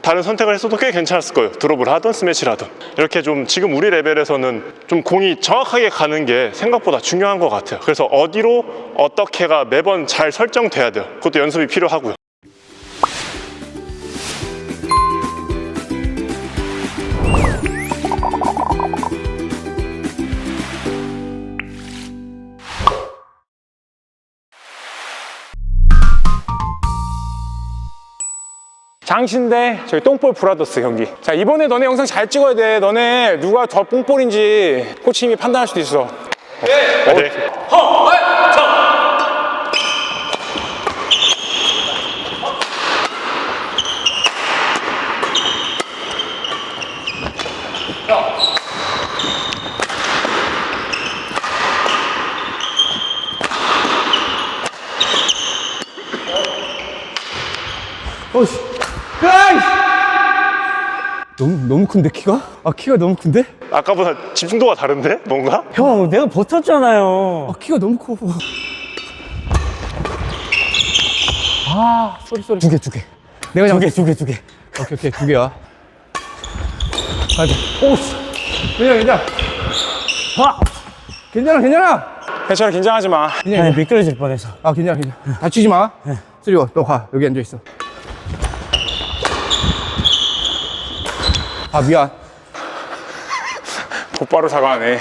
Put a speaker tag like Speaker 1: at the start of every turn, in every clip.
Speaker 1: 다른 선택을 했어도 꽤 괜찮았을 거예요. 드롭을 하든 스매시를 하든. 이렇게 좀 지금 우리 레벨에서는 좀 공이 정확하게 가는 게 생각보다 중요한 것 같아요. 그래서 어디로 어떻게가 매번 잘 설정돼야 돼요. 그것도 연습이 필요하고요.
Speaker 2: 장신대 저희 똥볼 브라더스 경기. 자, 이번에 너네 영상 잘 찍어야 돼. 너네 누가 더 똥볼인지 코치님이 판단할 수도 있어.
Speaker 1: 네.
Speaker 3: 어씨. 너무 큰데 키가? 아 키가 너무 큰데?
Speaker 1: 아까보다 집중도가 다른데? 뭔가?
Speaker 4: 형, 내가 버텼잖아요.
Speaker 3: 아 키가 너무 커. 아 쏘리. 두 개. 내가
Speaker 4: 두 개.
Speaker 3: 오케이 두 개야. 가자. 오씨. 괜찮아. 와. 괜찮아.
Speaker 2: 괜찮아, 긴장하지 마.
Speaker 4: 아니, 미끄러질 뻔해서.
Speaker 3: 아 괜찮아. 다치지 마. 쓰리워 너 가. 여기 앉아 있어. 아 미안.
Speaker 2: 곧바로 사과하네.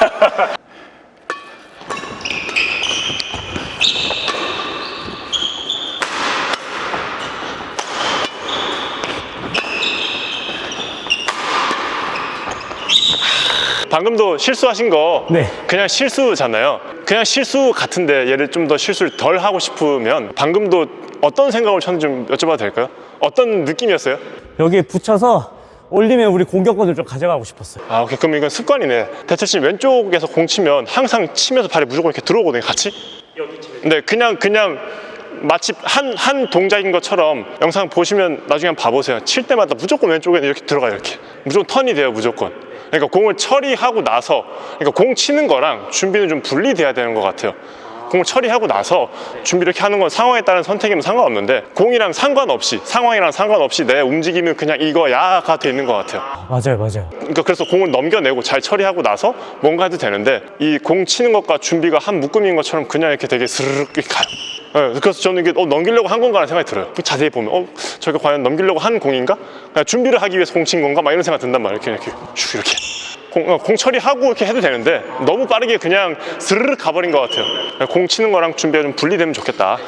Speaker 1: 방금도 실수하신 거
Speaker 4: 네.
Speaker 1: 그냥 실수잖아요. 그냥 실수 같은데 얘를 좀 더 실수를 덜 하고 싶으면 방금도 어떤 생각을 쳤는지 좀 여쭤봐도 될까요? 어떤 느낌이었어요?
Speaker 4: 여기 붙여서 올리면 우리 공격권을 좀 가져가고 싶었어요.
Speaker 1: 아, 오케이. 그럼 이건 습관이네. 대철씨 왼쪽에서 공 치면 항상 치면서 발이 무조건 이렇게 들어오거든요, 같이? 네, 그냥 마치 한 동작인 것처럼 영상 보시면 나중에 한번 봐보세요. 칠 때마다 무조건 왼쪽에 이렇게 들어가요, 이렇게. 무조건 턴이 돼요, 무조건. 그러니까 공을 처리하고 나서, 그러니까 공 치는 거랑 준비는 좀 분리돼야 되는 것 같아요. 공을 처리하고 나서 준비 이렇게 하는 건 상황에 따른 선택이면 상관없는데 공이랑 상관없이, 상황이랑 상관없이 내 움직임은 그냥 이거야가 돼 있는 것 같아요.
Speaker 4: 맞아요.
Speaker 1: 그러니까 그래서 공을 넘겨내고 잘 처리하고 나서 뭔가 해도 되는데 이 공 치는 것과 준비가 한 묶음인 것처럼 그냥 이렇게 되게 스르륵 가요. 네, 그래서 저는 이게 넘기려고 한 건가 라는 생각이 들어요. 자세히 보면 저게 과연 넘기려고 한 공인가? 그냥 준비를 하기 위해서 공 친 건가? 막 이런 생각 든단 말이에요. 이렇게 공 처리하고 이렇게 해도 되는데 너무 빠르게 그냥 스르륵 가버린 것 같아요. 공 치는 거랑 준비가 좀 분리되면 좋겠다.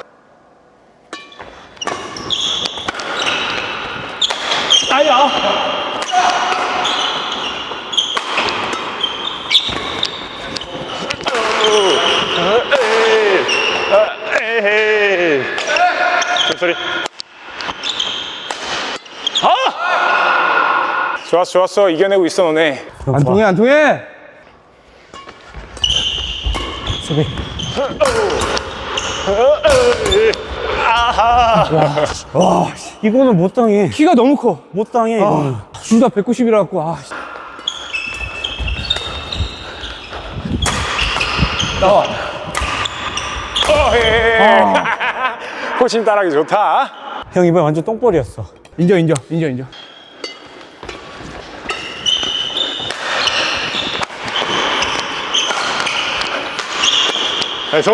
Speaker 2: 아야.
Speaker 1: 에이. 소리.
Speaker 2: 좋았어. 이겨내고 있어, 너네.
Speaker 3: 안 통해.
Speaker 4: 수비.
Speaker 3: 와
Speaker 4: 이거는 못 당해.
Speaker 3: 키가 너무 커.
Speaker 4: 못 당해, 이거는.
Speaker 3: 둘 다 190이라 갖고 나와.
Speaker 2: 코치님 따라하기 좋다.
Speaker 4: 형, 이번에 완전 똥볼이었어.
Speaker 3: 인정.
Speaker 1: 그래서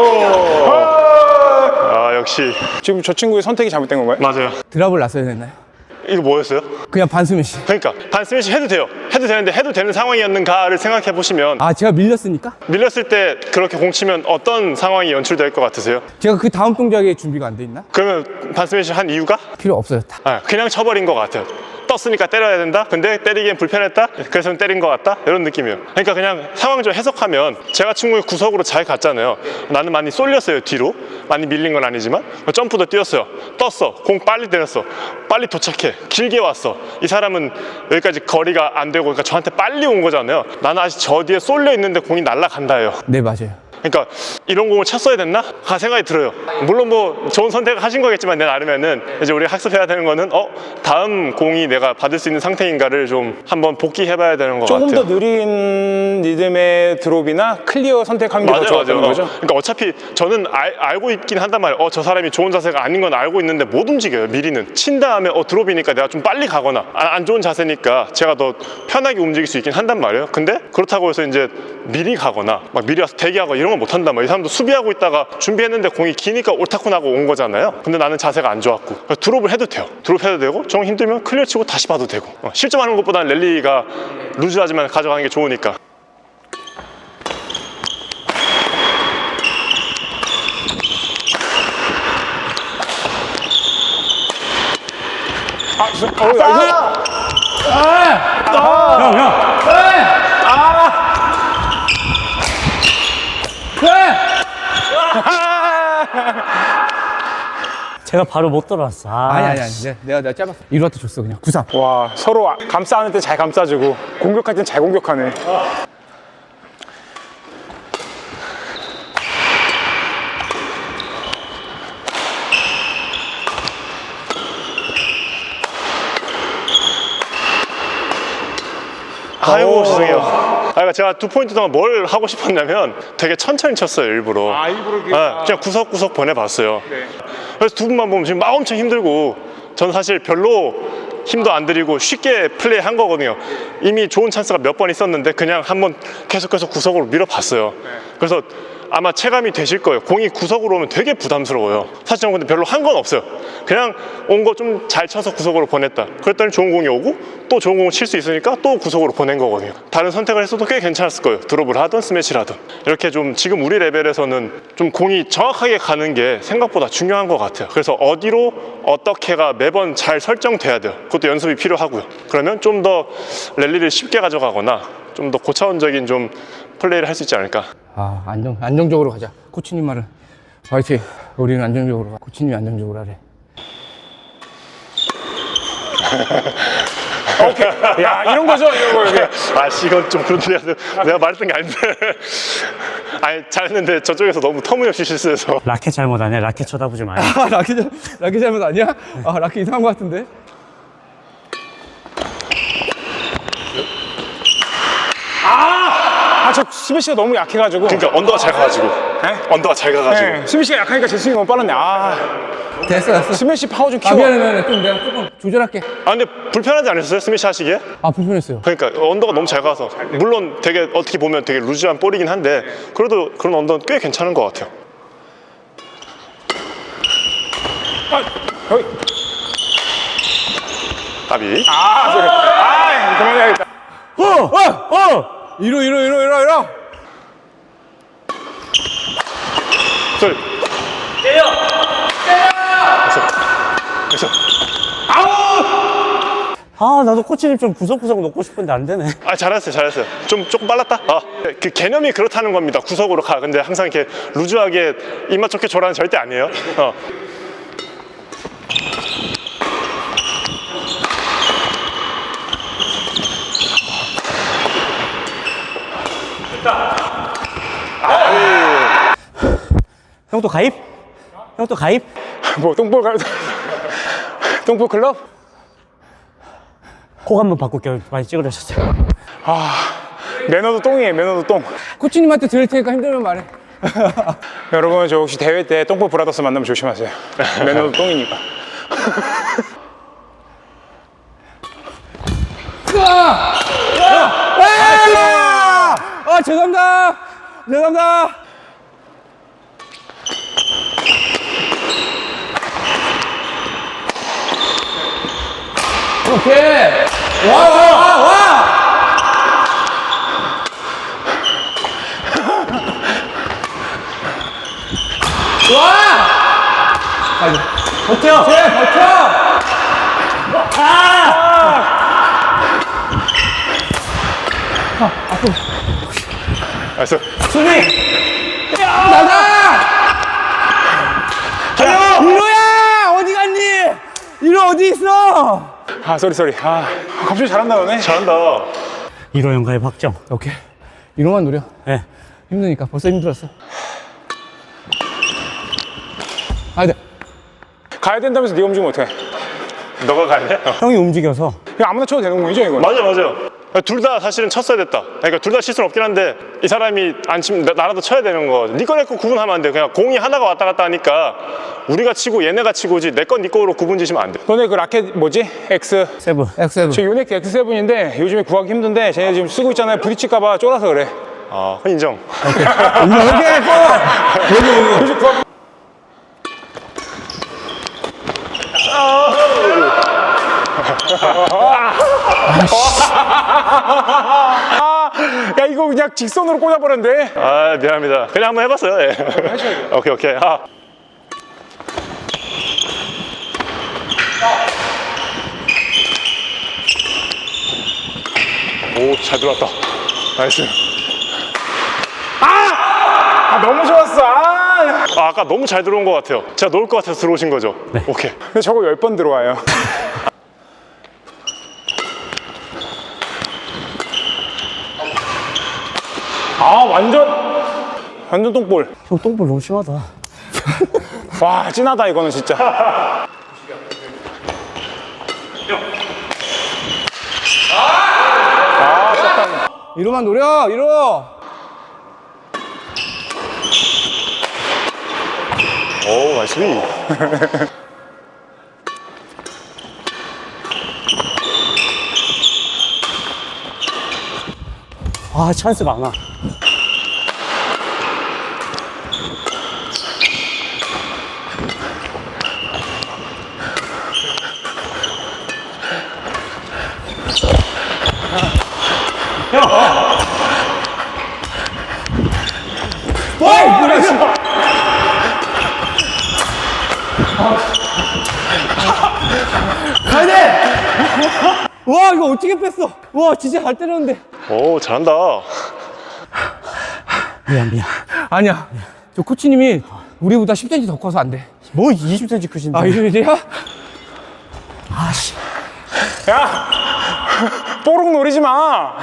Speaker 1: 역시
Speaker 2: 지금 저 친구의 선택이 잘못된 건가요?
Speaker 1: 맞아요.
Speaker 3: 드랍을 놨어야 됐나요?
Speaker 1: 이거 뭐였어요?
Speaker 3: 그냥 반스매시.
Speaker 1: 그러니까 반 스매시 해도 돼요. 해도 되는데 해도 되는 상황이었는가를 생각해 보시면
Speaker 3: 아 제가 밀렸으니까?
Speaker 1: 밀렸을 때 그렇게 공 치면 어떤 상황이 연출될 것 같으세요?
Speaker 3: 제가 그 다음 동작에 준비가 안 돼 있나?
Speaker 1: 그러면 반 스매시 한 이유가?
Speaker 3: 필요 없어졌다.
Speaker 1: 그냥 쳐버린 것 같아요. 떴으니까 때려야 된다? 근데 때리기엔 불편했다? 그래서 때린 것 같다? 이런 느낌이에요. 그러니까 그냥 상황적으로 해석하면 제가 친구의 구석으로 잘 갔잖아요. 나는 많이 쏠렸어요, 뒤로. 많이 밀린 건 아니지만. 점프도 뛰었어요. 떴어. 공 빨리 때렸어. 빨리 도착해. 길게 왔어. 이 사람은 여기까지 거리가 안 되고 그러니까 저한테 빨리 온 거잖아요. 나는 아직 저 뒤에 쏠려 있는데 공이 날아간다예요.
Speaker 3: 네 맞아요.
Speaker 1: 그러니까 이런 공을 쳤어야 됐나? 가 생각이 들어요. 물론 뭐 좋은 선택을 하신 거겠지만 내 나름에는 이제 우리 학습해야 되는 거는 다음 공이 내가 받을 수 있는 상태인가를 좀 한번 복귀해봐야 되는 것
Speaker 2: 조금
Speaker 1: 같아요.
Speaker 2: 더 느린 리듬의 드롭이나 클리어 선택하는 게 더 좋았다는 거죠?
Speaker 1: 그러니까 어차피 저는 알고 있긴 한단 말이에요. 저 사람이 좋은 자세가 아닌 건 알고 있는데 못 움직여요. 미리는 친 다음에 드롭이니까 내가 좀 빨리 가거나 안 좋은 자세니까 제가 더 편하게 움직일 수 있긴 한단 말이에요. 근데 그렇다고 해서 이제 미리 가거나 막 미리 와서 대기하고 이런 건 못 한단 말이에요. 이 사람도 수비하고 있다가 준비했는데 공이 기니까 옳다고 나고 온 거잖아요. 근데 나는 자세가 안 좋았고 그래서 드롭을 해도 돼요. 드롭해도 되고 정 힘들면 클리어 치고 다시 봐도 되고 실점하는 것보다는 랠리가 루즈하지만 가져가는 게 좋으니까.
Speaker 4: 제가 바로 못 돌아왔어.
Speaker 3: 아니. 내가 짧았어. 이루한테 줬어, 그냥. 9-3.
Speaker 2: 와, 서로 감싸는 때 잘 감싸주고 공격할 땐 잘 공격하네.
Speaker 1: 아이고 죄송해요. 그러니까 제가 2포인트 동안 뭘 하고 싶었냐면 되게 천천히 쳤어요 일부러. 그냥 구석구석 보내봤어요.
Speaker 2: 네.
Speaker 1: 그래서 두 분만 보면 지금 막 엄청 힘들고 저는 사실 별로 힘도 안 들이고 쉽게 플레이한 거거든요. 이미 좋은 찬스가 몇 번 있었는데 그냥 한번 계속해서 구석으로 밀어봤어요. 그래서 아마 체감이 되실 거예요. 공이 구석으로 오면 되게 부담스러워요. 사실 저는 근데 별로 한 건 없어요. 그냥 온 거 좀 잘 쳐서 구석으로 보냈다. 그랬더니 좋은 공이 오고 또 좋은 공을 칠 수 있으니까 또 구석으로 보낸 거거든요. 다른 선택을 했어도 꽤 괜찮았을 거예요. 드롭을 하든 스매시를 하든. 이렇게 좀 지금 우리 레벨에서는 좀 공이 정확하게 가는 게 생각보다 중요한 것 같아요. 그래서 어디로 어떻게가 매번 잘 설정돼야 돼요. 그것도 연습이 필요하고요. 그러면 좀 더 랠리를 쉽게 가져가거나 좀 더 고차원적인 좀 플레이를 할 수 있지 않을까.
Speaker 3: 안정적으로 가자. 코치님 말은. 화이팅. 우리는 안정적으로 가. 코치님이 안정적으로 하래.
Speaker 2: 오케이. 야, 이런 거죠, 이런 거. 이게.
Speaker 1: 이건 좀 그런데 내가 말했던 게 아닌데. 아니 잘했는데 저쪽에서 너무 터무니없이 실수해서.
Speaker 4: 라켓 잘못 아니야? 라켓 쳐다보지 마요.
Speaker 3: 라켓 잘못 아니야? 라켓 이상한 것 같은데?
Speaker 2: 저 스매시가 너무 약해가지고.
Speaker 1: 그러니까 언더가 잘 가가지고. 언더가 잘 가가지고.
Speaker 2: 네, 스매시가 약하니까 제 스윙이 너무 빨랐네.
Speaker 3: 됐어.
Speaker 2: 스매시 파워 좀 키워.
Speaker 3: 미안해. 좀 내가 조금 조절할게.
Speaker 1: 근데 불편하지 않으셨어요? 스매시 하시기에?
Speaker 3: 불편했어요.
Speaker 1: 그러니까 언더가 너무 잘 가서 물론 되게 어떻게 보면 되게 루즈한 볼이긴 한데 그래도 그런 언더는 꽤 괜찮은 것 같아요.
Speaker 2: 여기.
Speaker 1: 답이.
Speaker 2: 그만해야겠다.
Speaker 3: 이러.
Speaker 1: 쏠. 그래서
Speaker 4: 나도 코치님 좀 구석구석 놓고 싶은데 안 되네.
Speaker 1: 잘했어요. 조금 빨랐다. 그 개념이 그렇다는 겁니다. 구석으로 가. 근데 항상 이렇게 루즈하게 입맛 좋게 줘라는 절대 아니에요.
Speaker 4: 형 또 가입? 형 또 가입?
Speaker 2: 뭐 똥볼 똥볼 클럽?
Speaker 4: 콕 한번 바꿀게요. 많이 찌그러졌어요.
Speaker 2: 매너도 똥이에요. 매너도 똥.
Speaker 3: 코치님한테 들을 테니까 힘들면 말해.
Speaker 2: 여러분 저 혹시 대회 때 똥볼 브라더스 만나면 조심하세요. 매너도 똥이니까.
Speaker 3: 죄송합니다. 오케이. 와.
Speaker 4: 버텨!
Speaker 1: 알았어.
Speaker 4: 수비!
Speaker 3: 이로야 어디 갔니? 이로 어디 있어?
Speaker 2: 쏘리. 갑자기 잘한다 너네.
Speaker 1: 잘한다.
Speaker 4: 1호 형 가입 확정.
Speaker 3: 오케이. 이로만 노려.
Speaker 4: 네.
Speaker 3: 힘드니까 벌써 힘들었어. 아, 네.
Speaker 2: 가야 된다면서 네가 움직이면 어떡해?
Speaker 1: 너가 가야 돼?
Speaker 4: 형이 움직여서.
Speaker 2: 그냥 아무나 쳐도 되는 공이죠, 이건?
Speaker 1: 맞아. 둘 다 사실은 쳤어야 됐다. 그러니까 둘 다 실수는 없긴 한데 이 사람이 안 치면 나라도 쳐야 되는 거. 네 거 내 거 구분하면 안 돼. 그냥 공이 하나가 왔다 갔다 하니까 우리가 치고 얘네가 치고지 내 건 네 거로 구분 지시면 안 돼.
Speaker 2: 너네 그 라켓 뭐지? X.
Speaker 4: 세븐.
Speaker 3: X7.
Speaker 2: 저 요넥 X7인데 요즘에 구하기 힘든데 쟤네 지금 쓰고 있잖아요. 부딪힐까봐 쫄아서 그래.
Speaker 1: 아, 인정.
Speaker 3: 오케이, 고!
Speaker 2: 요즘 구하기. 야 이거 그냥 직선으로 꽂아버렸는데.
Speaker 1: 아, 미안합니다. 그냥 한번 해봤어요. 예. 오케이. 아. 오, 잘 들어왔다. 나이스.
Speaker 2: 아 너무 좋았어. 아.
Speaker 1: 아까 너무 잘 들어온 것 같아요. 제가 놓을 것 같아서 들어오신 거죠? 네. 오케이.
Speaker 2: 근데 저거 10번 들어와요. 아 완전 똥볼.
Speaker 4: 형 똥볼 너무 심하다.
Speaker 2: 와 찐하다 이거는 진짜.
Speaker 3: 이로만 노려, 이로!
Speaker 1: 오, 나이스.
Speaker 4: 아, 찬스 많아.
Speaker 3: 와, 이거 어떻게 뺐어? 와, 진짜 잘 때렸는데.
Speaker 1: 오, 잘한다.
Speaker 4: 미안.
Speaker 3: 아니야. 저 코치님이 우리보다 10cm 더 커서 안 돼.
Speaker 4: 뭐 20cm 크신데.
Speaker 3: 아, 이러지야?
Speaker 4: 아씨.
Speaker 2: 야 뽀록 노리지 마.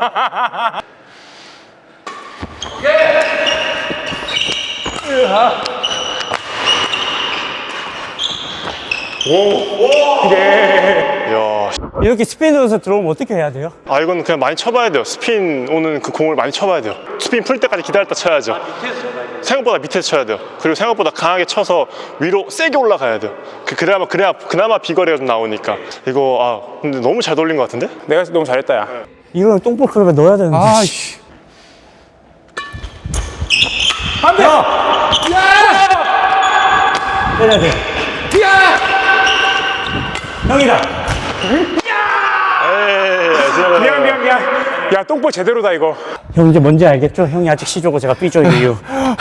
Speaker 1: 이야.
Speaker 4: 이렇게 스피드 넣어서 들어오면 어떻게 해야 돼요?
Speaker 1: 아, 이건 그냥 많이 쳐봐야 돼요. 스핀 오는 그 공을 많이 쳐봐야 돼요. 스핀 풀 때까지 기다렸다 쳐야죠. 생각보다 밑에서 쳐야 돼요. 그리고 생각보다 강하게 쳐서 위로 세게 올라가야 돼요. 그나마 비거리가 좀 나오니까. 이거 근데 너무 잘 돌린 것 같은데?
Speaker 2: 내가 너무 잘했다 야.
Speaker 4: 이거는 똥볼 클럽에 넣어야 되는데.
Speaker 3: 아이씨.
Speaker 2: 안 돼.
Speaker 4: 때려야 돼. 형이다.
Speaker 1: 에이,
Speaker 2: 미안. 야 똥볼 제대로다 이거.
Speaker 4: 형 이제 뭔지 알겠죠? 형이 아직 C조고 제가 B조인 이유.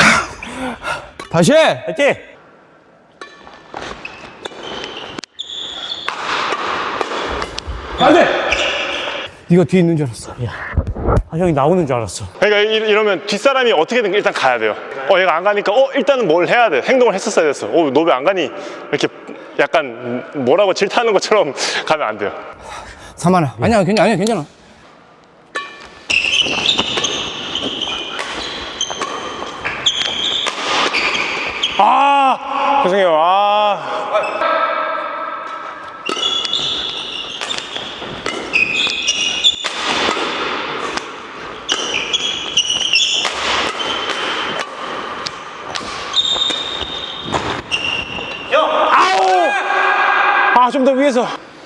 Speaker 3: 다시 해!
Speaker 4: 화이팅!
Speaker 3: 안 돼! 네가 뒤에 있는 줄 알았어.
Speaker 4: 아, 형이 나오는 줄 알았어.
Speaker 1: 그러니까 이러면 뒷사람이 어떻게든 일단 가야 돼요. 얘가 안 가니까 일단은 뭘 해야 돼. 행동을 했었어야 됐어. 너 왜 안 가니? 이렇게 약간 뭐라고 질타하는 것처럼 가면 안 돼요.
Speaker 3: 사만아. 아니야, 괜찮아.
Speaker 2: 죄송해요. 좀 더 위에서.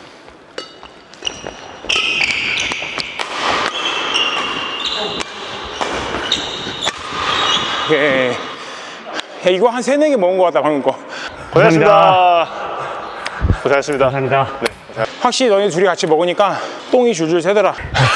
Speaker 2: 예. 야, 이거 한 3-4개 먹은 것 같다 방금 거.
Speaker 1: 고생하셨습니다. 고생하셨습니다.
Speaker 4: 감사합니다.
Speaker 2: 확실히 너희 둘이 같이 먹으니까 똥이 줄줄 새더라.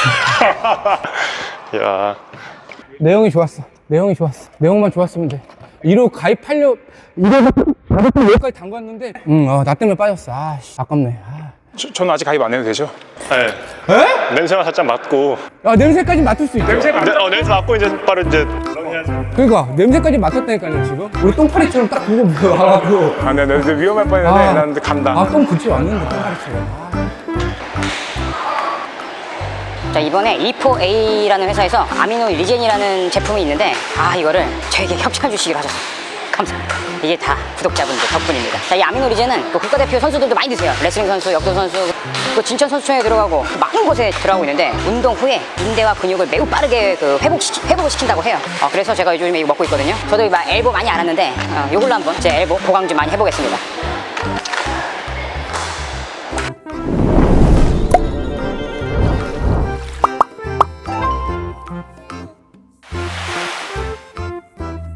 Speaker 1: 야,
Speaker 3: 내용이 좋았어. 내용만 좋았으면 돼. 1호 가입하려, 1호 가입하려 여기까지 담갔는데, 나 때문에 빠졌어. 아깝네.
Speaker 2: 저는 아직 가입 안 해도 되죠?
Speaker 1: 네. 냄새가 살짝 맡고.
Speaker 3: 야, 냄새까지 맡을 수 있어.
Speaker 1: 냄새 맡고 이제 바로 이제.
Speaker 3: 그러니까, 냄새까지 맡았다니까요, 지금. 우리 똥파리처럼 딱 보고 와가지고.
Speaker 2: 나 위험할 뻔했는데 난 간다.
Speaker 3: 똥 그치 왔는데, 똥파리처럼.
Speaker 5: 자, 이번에 E4A라는 회사에서 아미노 리젠이라는 제품이 있는데 이거를 저에게 협찬해 주시기로 하셨어요. 감사합니다. 이게 다 구독자분들 덕분입니다. 자, 이 아미노 리젠은 그 국가대표 선수들도 많이 드세요. 레슬링 선수, 역도 선수, 그 진천 선수촌에 들어가고 많은 곳에 들어가고 있는데 운동 후에 인대와 근육을 매우 빠르게 그 회복을 시킨다고 해요. 그래서 제가 요즘에 이거 먹고 있거든요. 저도 막 엘보 많이 안 왔는데 이걸로 한번 제 엘보 보강 좀 많이 해보겠습니다.